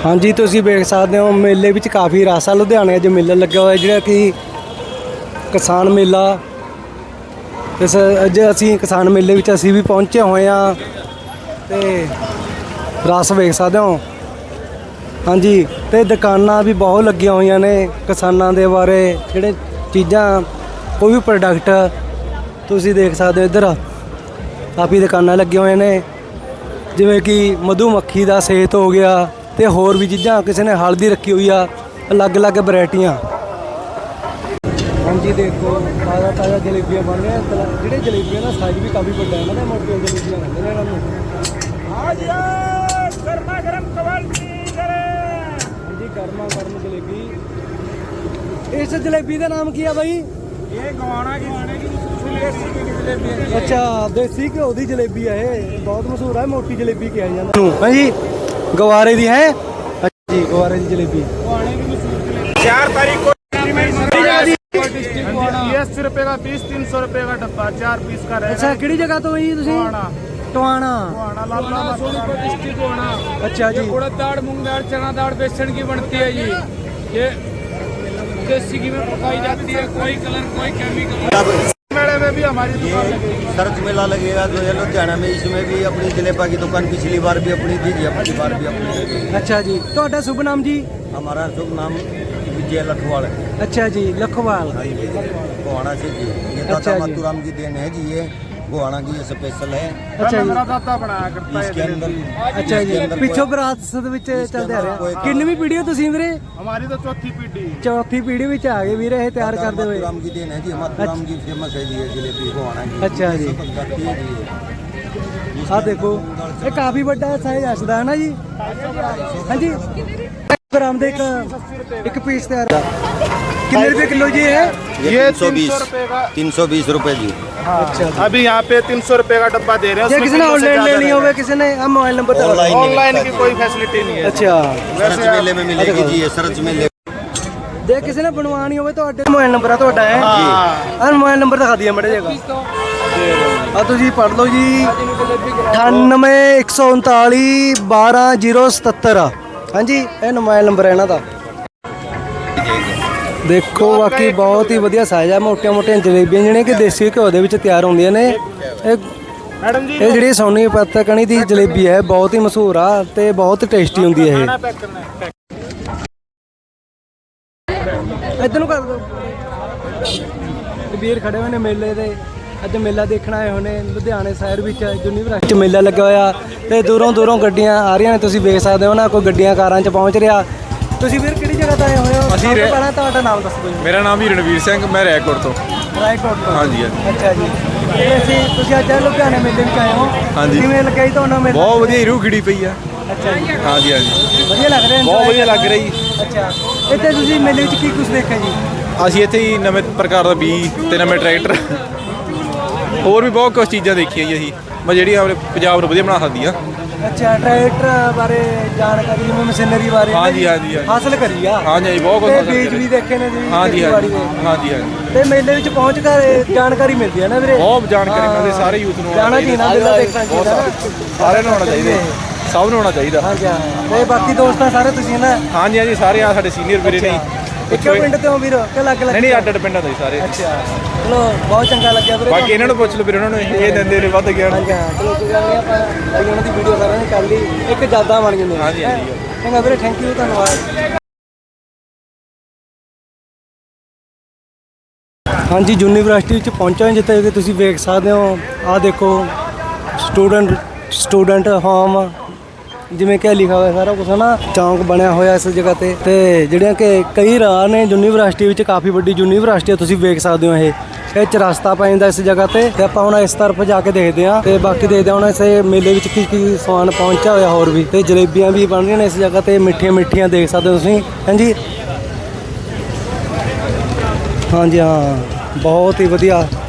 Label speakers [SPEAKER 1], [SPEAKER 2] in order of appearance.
[SPEAKER 1] हाँ जी तुसीं वेख सकते हो मेले विच काफ़ी रस है। लुधियाने अज मेला लग्या होया जिहड़ा कि किसान मेला। इस अज असीं किसान मेले विच असीं भी पहुंचे हुए हाँ ते रस वेख सकते हो। हाँ जी ते दुकानां भी बहुत लगियां होईयां ने किसानां दे बारे जिहड़े चीज़ां कोई भी प्रोडक्ट तुसीं देख सकते हो। इधर काफ़ी दुकानां लगियां होईयां ने जिवें कि मधुमक्खी दा सेत हो गया ते होर भी चीज़ां किसी ने हल्दी रखी हुई आ अलग अलग वैरायटियां। हाँ जी देखो ताज़ा ताज़ा जलेबियाँ बन रही हैं। जिहड़े जलेबियाँ का साइज भी काफ़ी बड़ा है ना मोटियां जलेबियां कहते हैं इन्हां नूं। हाँ जी गर्मा गर्म जलेबी। इस जलेबी का नाम क्या भाई?
[SPEAKER 2] ये गवाना की जलेबी है।
[SPEAKER 1] अच्छा देसी घ्यो की जलेबी है ये बहुत मशहूर है। मोटी जलेबी क्या है? हाँ जी गवारे दी है। अच्छा जी गवारे की जलेबी
[SPEAKER 2] 4 तारीख को 80 रुपए का पीस 300 रुपए का डब्बा 4 पीस का रहेगा।
[SPEAKER 1] अच्छा किहड़ी जगह तो भाई तुसीं? टोहाना
[SPEAKER 2] डिस्ट्रिक्ट।
[SPEAKER 1] अच्छा जी
[SPEAKER 2] उड़द दाल मूंग दाल चना दाल बेसन की बनती है जी। ये देसी घी में पकाई जाती है। कोई कलर कोई केमिकल। मेले में भी हमारी दुकान लगेगी।
[SPEAKER 3] सर्च मेला लगेगा जो है लुधियाना में। इसमें भी अपनी जलेबा की दुकान पिछली बार भी अपनी थी जी, अपनी बार भी अपनी लगेगी।
[SPEAKER 1] अच्छा जी ਤੁਹਾਡਾ शुभ नाम जी?
[SPEAKER 3] हमारा शुभ नाम विजय लखवाल है।
[SPEAKER 1] अच्छा जी लखवाल।
[SPEAKER 3] हाँ जी गोहाना से जी। ये
[SPEAKER 1] अच्छा
[SPEAKER 3] दाता
[SPEAKER 1] जी।
[SPEAKER 3] मातूराम की देन है जी। ये गोहाना की ये स्पेशल है।
[SPEAKER 1] अच्छा जी
[SPEAKER 2] मेरा दाता बनाया करता है
[SPEAKER 3] इसके अंदर
[SPEAKER 1] अच्छा जी पिछो विरासत ਵਿੱਚ ਚੱਲਦੇ ਆ ਰਿਹਾ। ਕਿੰਨਵੀਂ ਪੀੜ੍ਹੀ ਹੋ ਤੁਸੀਂ ਵੀਰੇ?
[SPEAKER 2] हमारी तो चौथी पीढ़ी।
[SPEAKER 1] चौथी पीढ़ी ਵਿੱਚ आ गए ਵੀਰੇ ਇਹ ਤਿਆਰ ਕਰਦੇ ਹੋਏ।
[SPEAKER 3] मातूराम की देन है जी। मातूराम की फेमस है जी ये जलेबी गोहाना की।
[SPEAKER 1] अच्छा जी ਆ ਦੇਖੋ ਇਹ ਕਾਫੀ ਵੱਡਾ ਸਾਈਜ਼ ਆਸਦਾ ਹੈ ਨਾ ਜੀ। ਹਾਂਜੀ ਗ੍ਰਾਮ ਦੇ ਇੱਕ ਪੀਸ ਤਿਆਰ कितने रुपए किलो जी है?
[SPEAKER 3] ये
[SPEAKER 2] 320
[SPEAKER 3] रुपए जी।
[SPEAKER 1] अच्छा
[SPEAKER 2] अभी यहाँ पे 300 रुपए का डब्बा दे रहे हैं।
[SPEAKER 1] किसी ने ऑनलाइन लेनी हो किसी ने हम मोबाइल नंबर
[SPEAKER 2] ऑनलाइन की कोई फैसिलिटी नहीं है।
[SPEAKER 1] अच्छा
[SPEAKER 3] सर्च मेले में मिलेगी जी ये सर्च मेले।
[SPEAKER 1] ਜੇ ਕਿਸੇ ਨੇ ਬਣਵਾਣੀ ਹੋਵੇ ਤੁਹਾਡੇ ਮੋਬਾਈਲ ਨੰਬਰ ਆ ਤੁਹਾਡਾ ਹੈ ਹਾਂ ਮੋਬਾਈਲ ਨੰਬਰ ਦਿਖਾ ਦਿਆ ਮੜੇ ਜਗਾ ਆ ਤੁਸੀਂ ਪੜ ਲਓ ਜੀ 98 139 12 077 ਹਾਂਜੀ ਇਹ ਮੋਬਾਈਲ ਨੰਬਰ ਹੈ ਇਹਨਾਂ ਦਾ। ਦੇਖੋ ਬਾਕੀ ਬਹੁਤ ਹੀ ਵਧੀਆ ਸਾਈਜ਼ ਆ। ਮੋਟੀਆਂ ਮੋਟੀਆਂ ਜਲੇਬੀਆਂ ਜਿਹੜੀਆਂ ਕਿ ਦੇਸੀ ਘਿਓ ਦੇ ਵਿੱਚ ਤਿਆਰ ਹੁੰਦੀਆਂ ਨੇ।
[SPEAKER 2] मैडम जी
[SPEAKER 1] ਇਹ ਜਿਹੜੀ ਸੋਨੀ ਪੱਤਾ ਕਣੀ ਦੀ ਜਲੇਬੀ ਹੈ ਬਹੁਤ ਹੀ ਮਸ਼ਹੂਰ ਆ ਤੇ ਬਹੁਤ ਟੇਸਟੀ ਹੁੰਦੀ ਹੈ ਇਹ।
[SPEAKER 2] पैक करना है।
[SPEAKER 1] ਇੱਧਰ ਨੂੰ ਕਰ ਦਿਓ। ਵੀਰ ਖੜੇ ਹੋਏ ਨੇ ਮੇਲੇ ਦੇ। ਅੱਜ ਮੇਲਾ ਦੇਖਣ ਆਏ ਹੋਏ ਨੇ ਲੁਧਿਆਣੇ ਸ਼ਹਿਰ ਵਿੱਚ ਯੂਨੀਵਰਸਿਟੀ 'ਚ ਮੇਲਾ ਲੱਗਾ ਹੋਇਆ ਤੇ ਦੂਰੋਂ ਦੂਰੋਂ ਗੱਡੀਆਂ ਆ ਰਹੀਆਂ ਨੇ। ਤੁਸੀਂ ਵੇਖ ਸਕਦੇ ਹੋ ਨਾ ਕੋਈ ਗੱਡੀਆਂ ਕਾਰਾਂ 'ਚ ਪਹੁੰਚ ਰਿਹਾ। ਤੁਸੀਂ ਵੀਰ ਕਿਹੜੀ ਜਗ੍ਹਾ ਤੋਂ ਆਏ ਹੋਏ ਹੋ?
[SPEAKER 4] ਅਸੀਂ
[SPEAKER 1] ਪਹਿਲਾਂ ਤੁਹਾਡਾ ਨਾਮ ਦੱਸ ਦਿਓ ਜੀ।
[SPEAKER 4] ਮੇਰਾ ਨਾਮ ਹੀ ਰਣਵੀਰ ਸਿੰਘ, ਮੈਂ ਰਾਏਕੋਟ ਤੋਂ।
[SPEAKER 1] ਰਾਏਕੋਟ ਤੋਂ?
[SPEAKER 4] ਹਾਂਜੀ ਹਾਂਜੀ।
[SPEAKER 1] ਅੱਛਾ ਜੀ ਤੁਸੀਂ ਅੱਜ ਲੁਧਿਆਣੇ ਮੇਲੇ ਵਿੱਚ ਆਏ ਹੋ।
[SPEAKER 4] ਹਾਂਜੀ।
[SPEAKER 1] ਕਿਵੇਂ ਲੱਗਿਆ ਜੀ ਤੁਹਾਨੂੰ ਮੇਲਾ?
[SPEAKER 4] ਬਹੁਤ ਵਧੀਆ ਰੂਹ ਖਿੜੀ ਪਈ ਆ।
[SPEAKER 1] ਅੱਛਾ ਜੀ
[SPEAKER 4] ਹਾਂਜੀ ਹਾਂਜੀ
[SPEAKER 1] ਵਧੀਆ ਲੱਗ ਰਿਹਾ?
[SPEAKER 4] ਬਹੁਤ ਵਧੀਆ ਲੱਗ ਰਹੀ।
[SPEAKER 1] ਅੱਛਾ ਇੱਥੇ ਤੁਸੀਂ ਮੇਲੇ ਵਿੱਚ ਕੀ ਕੁਝ ਦੇਖਿਆ ਜੀ?
[SPEAKER 4] ਅਸੀਂ ਇੱਥੇ ਹੀ ਨਵੇਂ ਪ੍ਰਕਾਰ ਦਾ ਬੀਜ ਤੇ ਨਵੇਂ ਟਰੈਕਟਰ ਹੋਰ ਵੀ ਬਹੁਤ ਕੁਝ ਚੀਜ਼ਾਂ ਦੇਖੀਆਂ ਜੀ ਅਸੀਂ ਮੈਂ ਜਿਹੜੀਆਂ ਆਪਣੇ ਪੰਜਾਬ ਨੂੰ ਵਧੀਆ ਬਣਾ ਸਕਦੀਆਂ।
[SPEAKER 1] ਅੱਛਾ ਟਰੈਕਟਰ ਬਾਰੇ ਜਾਣਕਾਰੀ ਜਿਵੇਂ ਮਸ਼ੀਨਰੀ ਬਾਰੇ
[SPEAKER 4] ਹਾਂਜੀ ਹਾਂਜੀ
[SPEAKER 1] ਹਾਸਲ ਕਰੀ ਆ।
[SPEAKER 4] ਹਾਂਜੀ ਹਾਂਜੀ ਬਹੁਤ ਕੁਝ
[SPEAKER 1] ਤੇ
[SPEAKER 4] ਹਾਸਲ
[SPEAKER 1] ਬੀਜ
[SPEAKER 4] ਕਰਿਆ।
[SPEAKER 1] ਵੀ ਦੇਖੇ ਨੇ ਜੀ
[SPEAKER 4] ਹਾਂਜੀ
[SPEAKER 1] ਖੇਤੀਬਾੜੀ
[SPEAKER 4] ਹਾਂਜੀ
[SPEAKER 1] ਦੇ।
[SPEAKER 4] ਹਾਂਜੀ ਹਾਂਜੀ
[SPEAKER 1] ਤੇ ਮੇਲੇ ਵਿੱਚ ਪਹੁੰਚ ਕੇ ਜਾਣਕਾਰੀ ਮਿਲਦੀ ਹੈ ਨਾ ਵੀਰੇ।
[SPEAKER 4] ਬਹੁਤ ਜਾਣਕਾਰੀ ਮਿਲਦੀ ਸਾਰੇ ਯੂਥ ਨੂੰ
[SPEAKER 1] ਜਾਣਾ ਚਾਹੀਦਾ ਮੇਲਾ ਦੇਖਣਾ ਚਾਹੀਦਾ।
[SPEAKER 4] ਸਾਰਿਆਂ ਨੂੰ ਆਉਣਾ ਚਾਹੀਦਾ, ਸਭ ਨੂੰ ਆਉਣਾ ਚਾਹੀਦਾ।
[SPEAKER 1] ਹਾਂਜੀ ਹਾਂ ਤੇ ਬਾਕੀ ਦੋਸਤਾਂ ਸਾਰੇ ਤੁਸੀਂ ਨਾ?
[SPEAKER 4] ਹਾਂਜੀ ਹਾਂਜੀ ਸਾਰੇ ਆ ਸਾਡੇ ਸੀਨੀਅਰ ਵੀਰੇ ਨੇ।
[SPEAKER 1] ਇੱਕੋ ਪਿੰਡ ਤੋਂ ਵੀਰ ਕਿ ਅਲੱਗ ਅਲੱਗ?
[SPEAKER 4] ਨਹੀਂ ਅੱਡ ਅੱਡ ਪਿੰਡਾਂ ਤੋਂ ਸਾਰੇ।
[SPEAKER 1] ਅੱਛਾ ਚਲੋ ਬਹੁਤ ਚੰਗਾ ਲੱਗਿਆ ਵੀਰੇ।
[SPEAKER 4] ਬਾਕੀ ਇਹਨਾਂ ਨੂੰ ਪੁੱਛ ਲਓ ਵੀਰੇ, ਉਹਨਾਂ ਨੂੰ ਇਹ ਦਿੰਦੇ ਨੇ ਵੱਧ ਗਿਆ।
[SPEAKER 1] ਹਾਂਜੀ ਹਾਂ ਚਲੋ ਕੋਈ ਗੱਲ ਨਹੀਂ ਆਪਾਂ ਉਹਨਾਂ ਦੀ ਵੀਡੀਓ ਸਾਰਿਆਂ ਨੇ ਕਰ ਲਈ ਇੱਕ ਯਾਦਾਂ ਬਣ ਗਈਆਂ।
[SPEAKER 4] ਹਾਂਜੀ ਹਾਂਜੀ
[SPEAKER 1] ਚੰਗਾ ਵੀਰੇ ਥੈਂਕ ਯੂ ਧੰਨਵਾਦ। ਹਾਂਜੀ ਯੂਨੀਵਰਸਿਟੀ ਵਿੱਚ ਪਹੁੰਚੇ ਜਿੱਥੇ ਕਿ ਤੁਸੀਂ ਵੇਖ ਸਕਦੇ ਹੋ। ਆਹ ਦੇਖੋ ਸਟੂਡੈਂਟ ਹੋਮ ਜਿਵੇਂ ਕਿ ਲਿਖਿਆ ਹੋਇਆ ਸਾਰਾ ਕੁਝ ਨਾ। ਚੌਂਕ ਬਣਿਆ ਹੋਇਆ ਇਸ ਜਗ੍ਹਾ ਤੇ ਜਿਹੜੀਆਂ ਕਿ ਕਈ ਰਾਹ ਨੇ ਯੂਨੀਵਰਸਿਟੀ ਵਿੱਚ। ਕਾਫੀ ਵੱਡੀ ਯੂਨੀਵਰਸਿਟੀ ਹੈ ਤੁਸੀਂ ਵੇਖ ਸਕਦੇ ਹੋ। ਇਹ ਚਰਸਤਾ ਪੈ ਜਾਂਦਾ ਇਸ ਜਗ੍ਹਾ ਤੇ ਆਪਾਂ ਹੁਣ ਇਸ ਤਰਫ ਜਾ ਕੇ ਦੇਖਦੇ ਹਾਂ ਤੇ ਬਾਕੀ ਦੇਖਦੇ ਹਾਂ ਹੁਣ ਇਸ ਮੇਲੇ ਵਿੱਚ ਕੀ ਕੀ ਸਮਾਨ ਪਹੁੰਚਿਆ ਹੋਇਆ ਹੋਰ ਵੀ। ਤੇ ਜਲੇਬੀਆਂ ਵੀ ਬਣ ਰਹੀਆਂ ਨੇ ਇਸ ਜਗ੍ਹਾ ਤੇ ਮਿੱਠੀਆਂ ਮਿੱਠੀਆਂ ਦੇਖ ਸਕਦੇ ਹੋ ਤੁਸੀਂ। ਹਾਂਜੀ ਹਾਂਜੀ ਹਾਂ ਬਹੁਤ ਹੀ ਵਧੀਆ